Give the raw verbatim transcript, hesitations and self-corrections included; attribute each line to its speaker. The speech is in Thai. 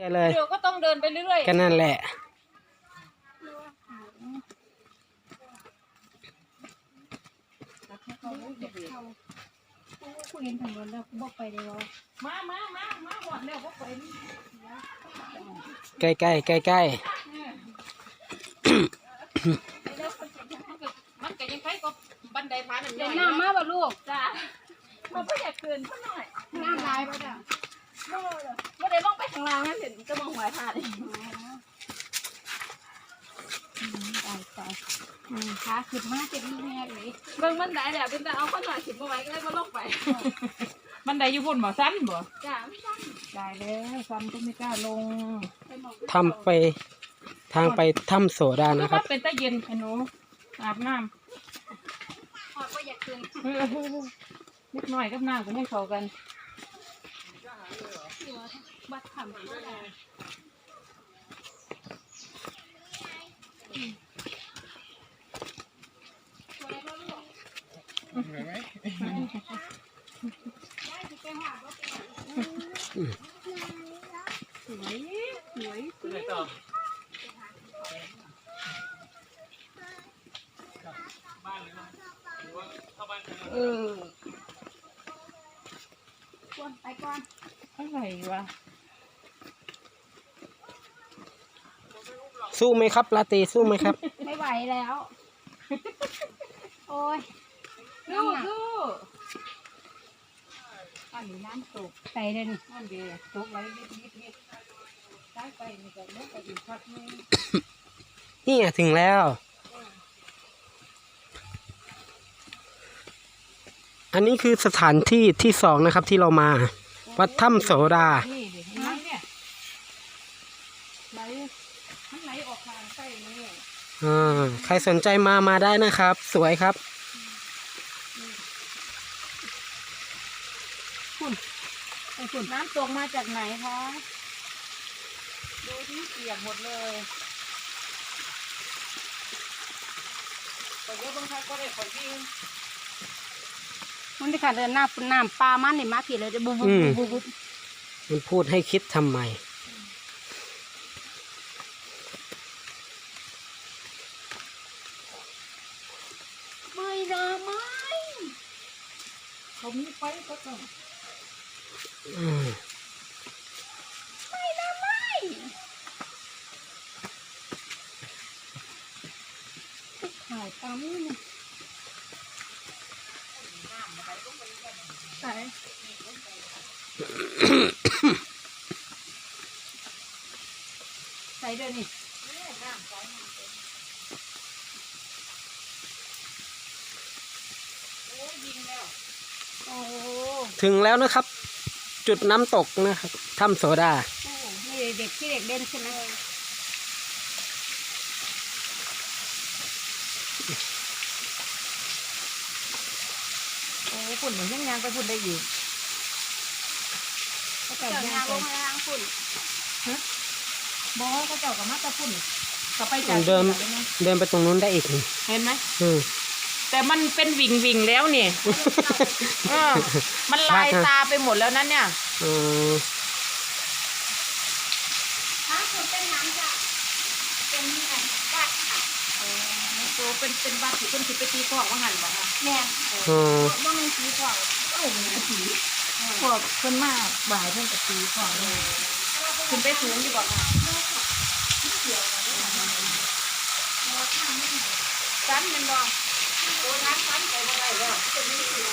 Speaker 1: เลยเดี๋ยวก็ต้องเดินไปเรื่อยๆกันนั่นแหละ
Speaker 2: คุยกันถึงวันแล้วกูบอกไปเลยวะมามามามาหมดแล้วก็ไป
Speaker 1: ใกล้ใกล้ใกล้ใกล้
Speaker 2: มันก็ยังใครก็บันไดพาหนึ่งเดี๋ยวน้ำมาบ่ลูกจ้ามันไม่อยากเกินสักหน่อยน้ำลายป่ะจ้ะไม่ได้ลงไปข้างล่างนั่นเห็นจะมองหวายผ่านเลยตายตายขาขึ้นมาเจ็บนี่แน่เลยเบิ่งมันได้แหละเป็นแต่เอาข้อหน่อยขึ้นมาไว้ก็ได้มาลงไปมันได้อยู่บนบ่สั้นบ่จ้าไม่สั้นได้แล้วสั้นก็ไม่กล้าลง
Speaker 1: ทำไปทางไปถ้ำโสดานะครับ
Speaker 2: เป็นตะเย็นไอ้หนูอาบน้ำพอก็อยากคืนนิดหน่อยกับน้ำก็ให้เข้ากันบัดทำเหนื่อยไหมสวยสวยสวยต่อเออก่อนไปก่อนอะไรวะ
Speaker 1: สู้ไหมครับลาตีสู้ไหมครับ
Speaker 2: ไม่ไหวแล้วโอ้ยสู้สู้อันนี้น้ำตกใส่เลยนี่น้ำเดือดตกไว้นิดนิดนิดใส่ไปนี่ก็ลงไปอีกพักนึง
Speaker 1: นี่ถึงแล้วอันนี้คือสถานที่ที่สองนะครับที่เรามาวัดถ้ำโสดา
Speaker 2: เนี่ยไหลมันไหลออกทางใต้นี่
Speaker 1: อ่าใครสนใจมามาได้นะครับสวยครับ
Speaker 2: คุณไอ้คุณน้ำตกมาจากไหนคะดูที่เปียกหมดเลยแต่เยอะบางครั้งก็ได้ผลที่มันได้ขาดเดินหน้าน้ำปลามันนี่มาผิดเลยจะบุบบุบบุบบุบ
Speaker 1: มันพูดให้คิดทำไม
Speaker 2: ไม่นะไม่เขามีไฟก็ต้องไม่นะไม่ขายตามนี่ใส่ใส่เดี๋ยวนี้
Speaker 1: ถึงแล้วนะครับจุดน้ำตกนะครับถ้ำโสดา
Speaker 2: นี่เด็กที่เด็กเล่นใช่ไหมโอ้ฝุ่นเหมือนยังยางไปฝุ่นได้อยู่ก็เจ้ายางลงมาล้างฝุ่นฮะบอก็เจ้ากับมาตะฝุ่นก็ไปจาก
Speaker 1: เดินเดินไปตรงนู้นได้อีก
Speaker 2: เห็นไหม
Speaker 1: อืม
Speaker 2: แต่มันเป็นวิ่งวิ่งแล้วนี่เออมันลายตาไปหมดแล้วนั่นเนี่ย
Speaker 1: อืม
Speaker 2: ถ้าคุณเป็นน้ำจะเป็นวัดค่ะโอ้ตัวเป็นเป็นวัดที่คนคิดไปตีกอกว่าหันบอกค่ะแม่
Speaker 1: อืม
Speaker 2: ว่ามันตีกอกโอ้มันตีพวกคนมากบ่ายเพื่อนกับตีกอกเลยคุณไปสูงดีกว่าค่ะสั้นมันบอกตัวนั้นสั้นไปเมื่อไรก็จะมีสี